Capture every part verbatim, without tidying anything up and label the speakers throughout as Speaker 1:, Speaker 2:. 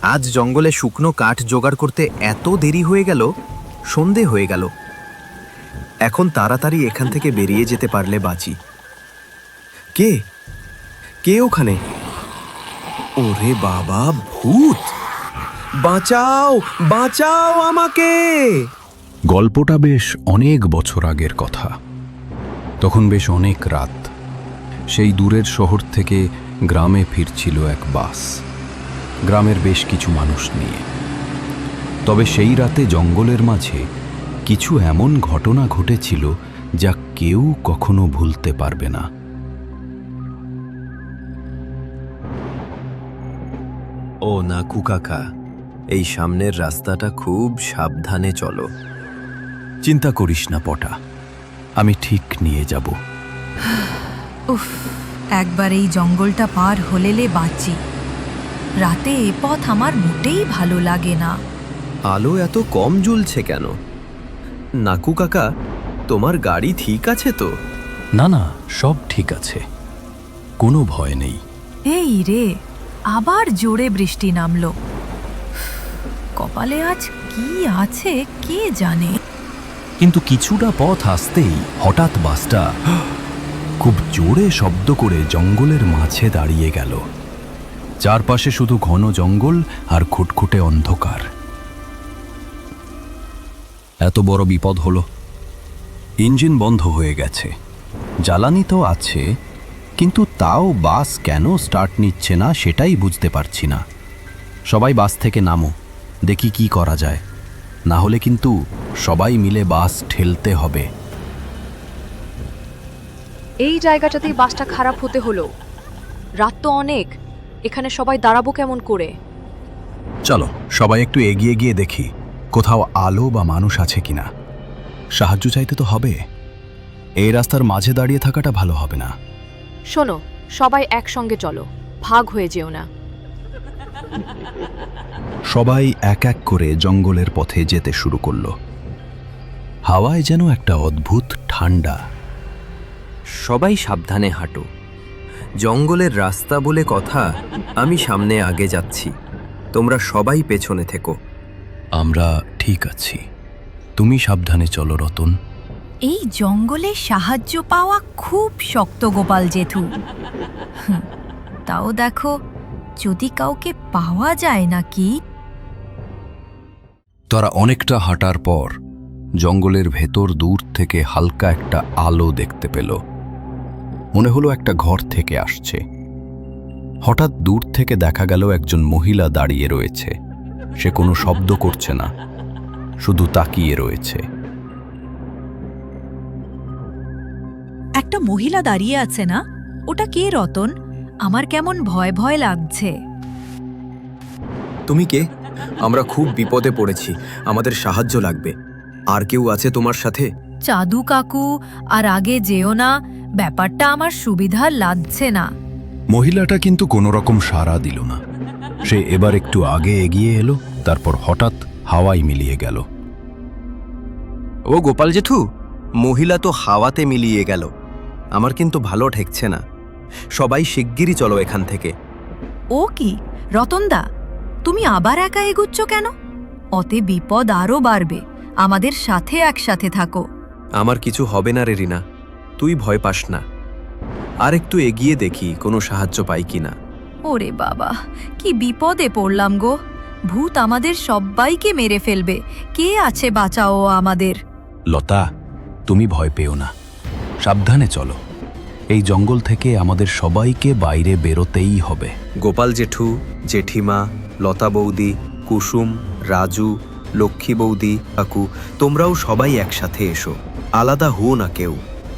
Speaker 1: আজ জঙ্গলে শুকনো কাঠ জোগাড় করতে এত দেরি হয়ে গেল, সন্ধে হয়ে গেল। এখন তাড়াতাড়ি এখান থেকে বেরিয়ে যেতে পারলে বাঁচি। কে কে ওখানে? ওরে বাবা, ভূত! বাঁচাও, বাঁচাও আমাকে!
Speaker 2: গল্পটা বেশ অনেক বছর আগের কথা। তখন বেশ অনেক রাত। সেই দূরের শহর থেকে গ্রামে ফিরছিল এক বাস, গ্রামের বেশ কিছু মানুষ নিয়ে। তবে সেই রাতে জঙ্গলের মাঝে কিছু এমন ঘটনা ঘটেছিল যা কেউ কখনো ভুলতে পারবে না।
Speaker 1: ও নাকু কাকা, এই সামনের রাস্তাটা খুব সাবধানে চলো।
Speaker 2: চিন্তা করিস না পটা, আমি ঠিক নিয়ে যাব।
Speaker 3: উফ, একবার এই জঙ্গলটা পার হলেলে বাঁচি। রাতে এ পথ আমার মোটেই ভালো লাগে না।
Speaker 1: আলো এত কম জ্বলছে কেন? নাকু কাকা, তোমার গাড়ি ঠিক আছে তো?
Speaker 2: না না, সব ঠিক আছে, কোনো ভয় নেই।
Speaker 3: এই রে, আবার জোরে বৃষ্টি নামলো। কপালে আজ কি আছে কে জানে।
Speaker 2: কিন্তু কিছুটা পথ আসতেই হঠাৎ বাসটা খুব জোরে শব্দ করে জঙ্গলের মাঝে দাঁড়িয়ে গেল। চারপাশে শুধু ঘন জঙ্গল আর খুটখুটে অন্ধকার। এত বড় বিপদ হলো। ইঞ্জিন বন্ধ হয়ে গেছে, জ্বালানি তো আছে, কিন্তু তাও বাস কেন স্টার্ট নিচ্ছে না সেটাই বুঝতে পারছি না। সবাই বাস থেকে নামো, দেখি কি করা যায়, না হলে কিন্তু সবাই মিলে বাস ঠেলতে হবে।
Speaker 4: এই জায়গাটাতেই বাসটা খারাপ হতে হলো। রাত তো অনেক, এখানে সবাই দাঁড়াবো কেমন করে?
Speaker 2: চলো সবাই একটু এগিয়ে গিয়ে দেখি কোথাও আলো বা মানুষ আছে কিনা। সাহায্য চাইতে তো হবে, এই রাস্তার মাঝে দাঁড়িয়ে থাকাটা ভালো হবে না।
Speaker 4: শোনো, সবাই একসঙ্গে চলো, ভাগ হয়ে যেও না।
Speaker 2: সবাই এক এক করে জঙ্গলের পথে যেতে শুরু করলো। হাওয়ায় যেন একটা অদ্ভুত ঠান্ডা।
Speaker 1: সবাই সাবধানে হাঁটো, জঙ্গলের রাস্তা বলে কথা। আমি সামনে আগে যাচ্ছি, তোমরা সবাই পেছনে থেকো।
Speaker 2: আমরা ঠিক আছি, তুমি সাবধানে চলো রতন।
Speaker 3: এই জঙ্গলে সাহায্য পাওয়া খুব শক্ত গোপাল জেঠু। হুঁ, তাও দেখো যদি কাউকে পাওয়া যায় নাকি।
Speaker 2: তারা অনেকটা হাঁটার পর জঙ্গলের ভেতর দূর থেকে হালকা একটা আলো দেখতে পেল। মনে হলো একটা ঘর থেকে আসছে। হঠাৎ দূর থেকে দেখা গেল একজন মহিলা দাঁড়িয়ে রয়েছে। সে কোনো শব্দ করছে না, শুধু তাকিয়ে রয়েছে।
Speaker 3: একটা মহিলা দাঁড়িয়ে আছে না, ওটা কে রতন? আমার কেমন ভয় ভয় লাগছে।
Speaker 1: তুমি কে? আমরা খুব বিপদে পড়েছি, আমাদের সাহায্য লাগবে। আর কেউ আছে তোমার সাথে?
Speaker 3: চাদু কাকু, আর আগে যেও না, ব্যাপারটা আমার সুবিধার লাগছে না।
Speaker 2: মহিলাটা কিন্তু কোনো রকম সাড়া দিল না। সে এবার একটু আগে এগিয়ে এলো, তারপর হঠাৎ হাওয়ায় মিলিয়ে গেল।
Speaker 1: ও গোপাল জেঠু, মহিলা তো হাওয়াতে মিলিয়ে গেল। আমার কিন্তু ভালো ঠেকছে না। সবাই শিগগিরই চলো এখান থেকে।
Speaker 3: ও কি রতনদা, তুমি আবার একা এগুচ্ছ কেন? অতে বিপদ আরও বাড়বে। আমাদের সাথে একসাথে থাকো।
Speaker 1: আমার কিছু হবে না রে রিনা, তুই ভয় পাস না। আর একটু এগিয়ে দেখি কোনো সাহায্য পাই কিনা।
Speaker 3: ওরে বাবা, কি বিপদে পড়লাম গো। ভূত আমাদের সবাইকে মেরে ফেলবে। কে আছে বাঁচাও আমাদের।
Speaker 2: লতা, তুমি ভয় পেও না, সাবধানে চলো। এই জঙ্গল থেকে আমাদের সবাইকে বাইরে বেরোতেই হবে।
Speaker 1: গোপাল জেঠু, জেঠিমা, লতা বৌদি, কুসুম, রাজু, লক্ষ্মী বৌদি, কাকু, তোমরাও সবাই একসাথে এসো, আলাদা হো না কেউ।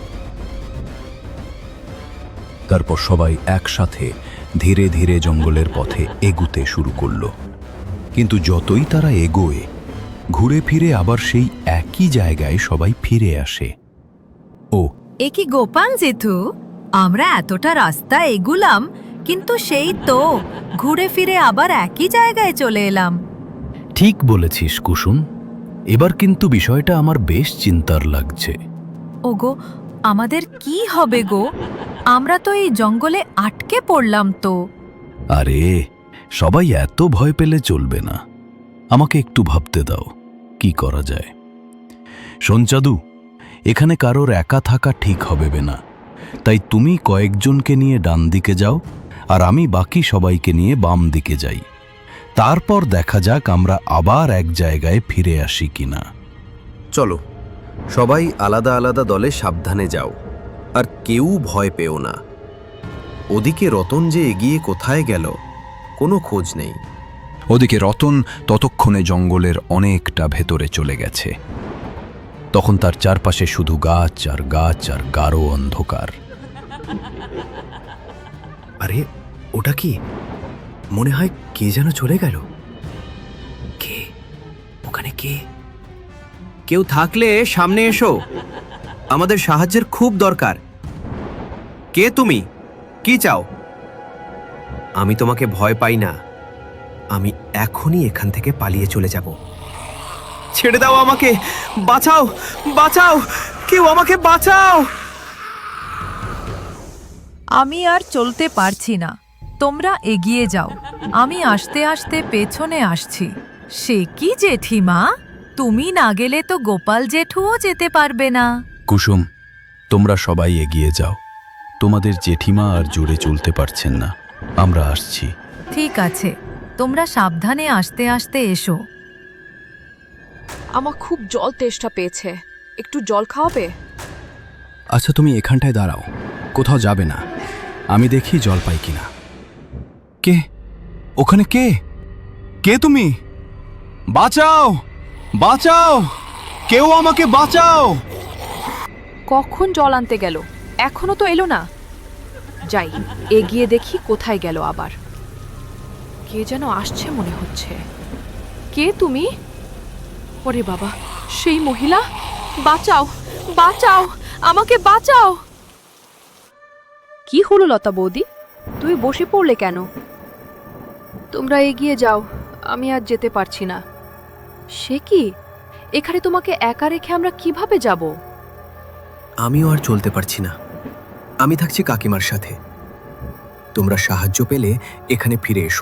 Speaker 2: তারপর সবাই একসাথে ধীরে ধীরে জঙ্গলের পথে এগুতে শুরু করলো। কিন্তু যতই তারা এগোয়, ঘুরে ফিরে আবার সেই একই জায়গায় সবাই ফিরে আসে। ও
Speaker 3: এ কি গোপাল জেঠু, আমরা এতটা রাস্তা এগুলাম, কিন্তু সেই তো ঘুরে ফিরে আবার একই জায়গায় চলে এলাম।
Speaker 2: ঠিক বলেছিস কুসুম, এবার কিন্তু বিষয়টা আমার বেশ চিন্তার লাগছে।
Speaker 3: ওগো, আমাদের কি হবে গো? আমরা তো এই জঙ্গলে আটকে পড়লাম তো।
Speaker 2: আরে সবাই এত ভয় পেলে চলবে না। আমাকে একটু ভাবতে দাও কি করা যায়। শোন চাদু, এখানে কারোর একা থাকা ঠিক হবে না, তাই তুমি কয়েকজনকে নিয়ে ডান দিকে যাও আর আমি বাকি সবাইকে নিয়ে বাম দিকে যাই। তারপর দেখা যাক আমরা আবার এক জায়গায় ফিরে আসি কিনা।
Speaker 1: চলো, সবাই আলাদা আলাদা দলে সাবধানে যাও, আর কেউ ভয় পেও না। ওদিকে রতন যে এগিয়ে কোথায় গেল কোনো খোঁজ নেই।
Speaker 2: ওদিকে রতন ততক্ষণে জঙ্গলের অনেকটা ভেতরে চলে গেছে। তখন তার চারপাশে শুধু গাছ আর গাছ আর গাঢ় অন্ধকার।
Speaker 1: আরে ওটা কি? মনে হয় কে যেন চলে গেল। কে? ওখানে কে? কেউ থাকলে সামনে এসো, আমাদের সাহায্যের খুব দরকার। কে তুমি? কি চাও? আমি তোমাকে ভয় পাই না, আমি এখনই এখান থেকে পালিয়ে চলে যাব। ছেড়ে দাও আমাকে, বাঁচাও বাঁচাও, কেউ আমাকে বাঁচাও।
Speaker 5: আমি আর চলতে পারছি না, তোমরা এগিয়ে যাও, আমি আস্তে আস্তে পেছনে আসছি। সে কি জেঠিমা, তুমি না গেলে তো গোপাল জেঠুও যেতে পারবে না।
Speaker 2: কুসুম, তোমরা সবাই এগিয়ে যাও, তোমাদের জেঠিমা আর জোরে চলতে পারছেন না, আমরা আসছি।
Speaker 5: ঠিক আছে, তোমরা সাবধানে আস্তে আস্তে এসো।
Speaker 4: আমার খুব জল তেষ্টা পেয়েছে, একটু জল খাওয়াবে?
Speaker 6: আচ্ছা, তুমি এখানটায় দাঁড়াও, কোথাও যাবে না, আমি দেখি জল পাই কিনা। কে ওখানে? কে কে তুমি? বাঁচাও বাঁচাও, কেউ আমাকে বাঁচাও।
Speaker 4: কখন জল আনতে গেল, এখনো তো এলো না। যাই, এগিয়ে দেখি কোথায় গেল আবার। কে যেন আসছে মনে হচ্ছে। কে তুমি? ওরে বাবা, সেই মহিলা! বাঁচাও বাঁচাও, আমাকে বাঁচাও! কি হলো লতা বৌদি, তুমি বসে পড়লে কেন? তোমরা এগিয়ে যাও, আমি আর যেতে পারছি না। সে কি, এখানে তোমাকে একা রেখে আমরা কিভাবে যাব?
Speaker 1: আমিও আর চলতে পারছি না, আমি থাকছি কাকিমার সাথে। তোমরা সাহায্য পেলে এখানে ফিরে এসো।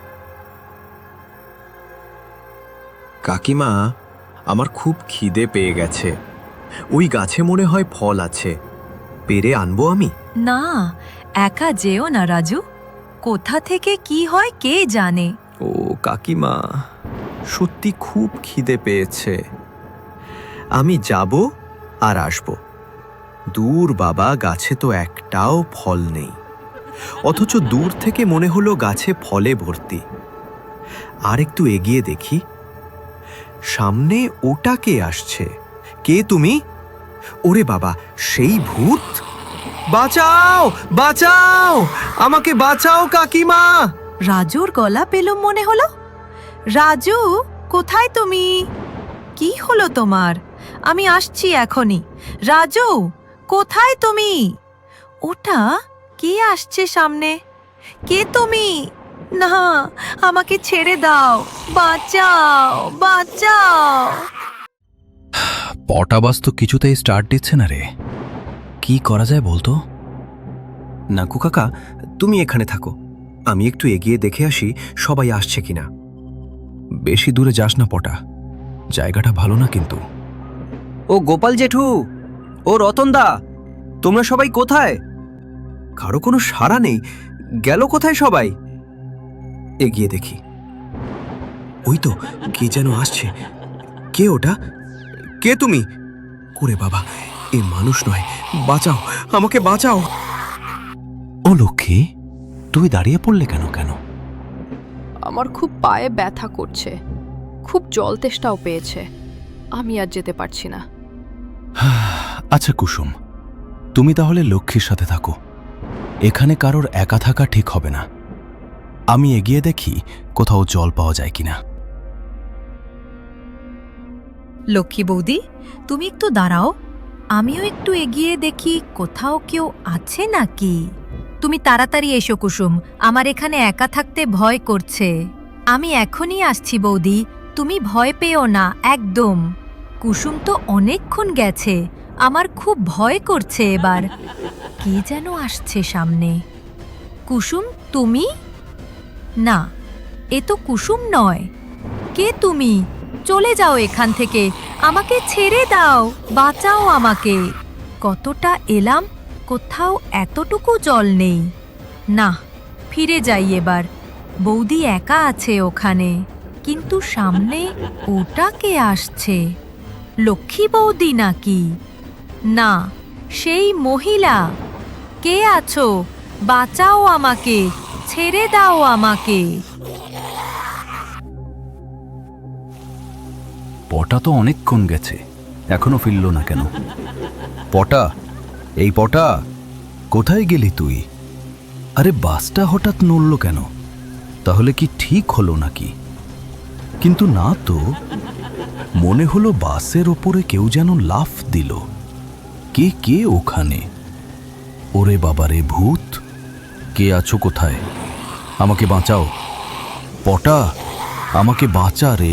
Speaker 1: কাকিমা, আমার খুব খিদে পেয়ে গেছে। ওই গাছে মনে হয় ফল আছে, পেরে আনবো আমি?
Speaker 5: না, একা যেও না রাজু, কোথা থেকে কি হয় কে জানে।
Speaker 1: ও কাকিমা, সত্যি খুব খিদে পেয়েছে। আমি যাব আর আসব। দূর বাবা, গাছে তো একটাও ফল নেই, অথচ দূর থেকে মনে হলো গাছে ফলে ভর্তি। আর একটু এগিয়ে দেখি, সামনে ওটা কে আসছে? কে তুমি? ওরে বাবা, সেই ভূত! বাঁচাও বাঁচাও, আমাকে বাঁচাও কাকিমা!
Speaker 5: রাজুর গলা পেলুম মনে হলো। রাজু, কোথায় তুমি? কি হলো তোমার? আমি আসছি এখনই। রাজু, কোথায় তুমি? ওটা কে আসছে সামনে? কে তুমি? না, আমাকে ছেড়ে দাও, বাঁচাও বাঁচাও।
Speaker 2: পটাবাস তো কিছুতেই স্টার্ট দিচ্ছে না রে, কি করা যায় বলতো?
Speaker 1: নাকু কাকা, তুমি এখানে থাকো, আমি একটু এগিয়ে দেখে আসি সবাই আসছে কিনা।
Speaker 2: বেশি দূরে যাস না পটা, জায়গাটা ভালো না কিন্তু।
Speaker 1: ও গোপাল জেঠু, ও রতনদা, তোমরা সবাই কোথায়? কারো কোনো সাড়া নেই, গেল কোথায় সবাই? এগিয়ে দেখি, ওই তো কে যেন আসছে। কে ওটা? কে তুমি? ওরে বাবা, এ মানুষ নয়, বাঁচাও, আমাকে বাঁচাও!
Speaker 2: ও লক্ষ্মী, তুই দাঁড়িয়ে পড়লে কেন কেন?
Speaker 4: আমার খুব পায়ে ব্যথা করছে, খুব জল তেষ্টাও পেয়েছে, আমি আর যেতে পারছি না।
Speaker 2: আচ্ছা কুসুম, তুমি তাহলে লক্ষ্মীর সাথে থাকো, এখানে কারোর একা থাকা ঠিক হবে না। আমি এগিয়ে দেখি কোথাও জল পাওয়া যায় কিনা।
Speaker 5: লক্ষ্মী বৌদি, তুমি একটু দাঁড়াও, আমিও একটু এগিয়ে দেখি কোথাও কেউ আছে নাকি। তুমি তাড়াতাড়ি এসো কুসুম, আমার এখানে একা থাকতে ভয় করছে। আমি এখনই আসছি বৌদি, তুমি ভয় পেও না একদম। কুসুম তো অনেকক্ষণ গেছে, আমার খুব ভয় করছে এবার। কে যেন আসছে সামনে। কুসুম, তুমি? না, এ তো কুসুম নয়। কে তুমি? চলে যাও এখান থেকে, আমাকে ছেড়ে দাও, বাঁচাও আমাকে। কতটা এলাম, কোথাও এতটুকু জল নেই। না, ফিরে যাই এবার। বৌদি একা আছে ওখানে, কিন্তু সামনে ওটা কে আসছে? লক্ষ্মী বৌদি নাকি? না, সেই মহিলা। কে আছো? বাঁচাও আমাকে, ছেড়ে দাও আমাকে।
Speaker 2: পটা তো অনেকক্ষণ গেছে, এখনো ফিরল না কেন? পটা, এই পটা, কোথায় গেলি তুই? আরে বাসটা হঠাৎ নড়ল কেন? তাহলে কি ঠিক হলো নাকি? কিন্তু না তো, মনে হলো বাসের ওপরে কেউ যেন লাফ দিল। কে কে ওখানে? ওরে বাবারে, ভূত! কে আছো কোথায়? আমাকে বাঁচাও পটা, আমাকে বাঁচা রে।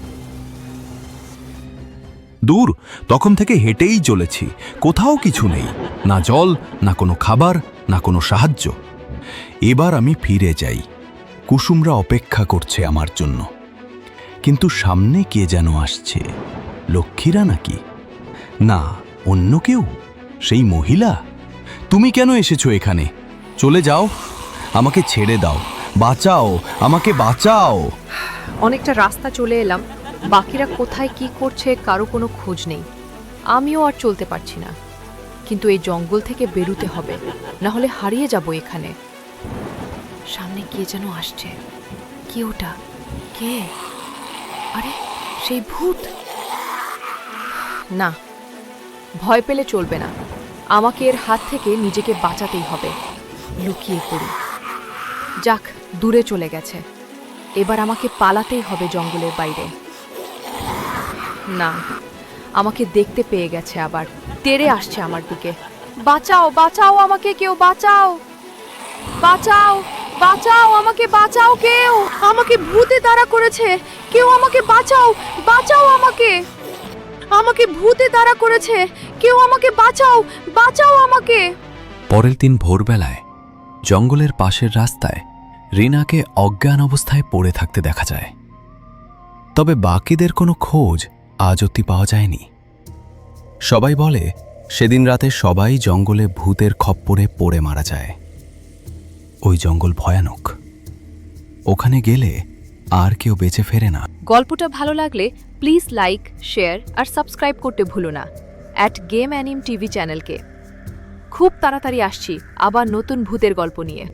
Speaker 2: দূর, তখন থেকে হেঁটেই চলেছি, কোথাও কিছু নেই, না জল, না কোনো খাবার, না কোনো সাহায্য। এবার আমি ফিরে যাই, কুসুমরা অপেক্ষা করছে আমার জন্য। কিন্তু সামনে কে যেন আসছে, লক্ষ্মীরা নাকি? না, অন্য কেউ? সেই মহিলা? তুমি কেন এসেছো এখানে? চলে যাও, আমাকে ছেড়ে দাও, বাঁচাও, আমাকে বাঁচাও।
Speaker 4: অনেকটা রাস্তা চলে এলাম, বাকিরা কোথায় কি করছে কারো কোনো খোঁজ নেই। আমিও আর চলতে পারছি না, কিন্তু এই জঙ্গল থেকে বেরুতে হবে, না হলে হারিয়ে যাব এখানে। সামনে কে যেন আসছে। কে ওটা? কে? আরে সেই ভূত! না, ভয় পেলে চলবে না, আমাকে এর হাত থেকে নিজেকে বাঁচাতেই হবে। লুকিয়ে পড়ি। যাক, দূরে চলে গেছে, এবার আমাকে পালাতেই হবে জঙ্গলের বাইরে। না, আমাকে দেখতে পেয়ে গেছে, আবার তেড়ে আসছে আমার দিকে। বাঁচাও, বাঁচাও আমাকে, কেউ বাঁচাও, বাঁচাও, বাঁচাও আমাকে, বাঁচাও কেউ, আমাকে ভূতে তাড়া করেছে, কেউ আমাকে বাঁচাও, বাঁচাও আমাকে, আমাকে ভূতে তাড়া করেছে, কেউ আমাকে বাঁচাও, বাঁচাও আমাকে।
Speaker 2: পরের দিন ভোরবেলায় জঙ্গলের পাশের রাস্তায় রিনাকে অজ্ঞান অবস্থায় পড়ে থাকতে দেখা যায়। তবে বাকিদের কোনো খোঁজ আজ অবধি পাওয়া যায়নি। সবাই বলে সেদিন রাতে সবাই জঙ্গলে ভূতের খপ্পরে পড়ে মারা যায়। ওই জঙ্গল ভয়ানক, ওখানে গেলে আর কেউ বেঁচে ফেরে না।
Speaker 4: গল্পটা ভালো লাগলে প্লিজ লাইক, শেয়ার আর সাবস্ক্রাইব করতে ভুলো না অ্যাট গেম অ্যানিম টিভি চ্যানেলকে। খুব তাড়াতাড়ি আসছি আবার নতুন ভূতের গল্প নিয়ে।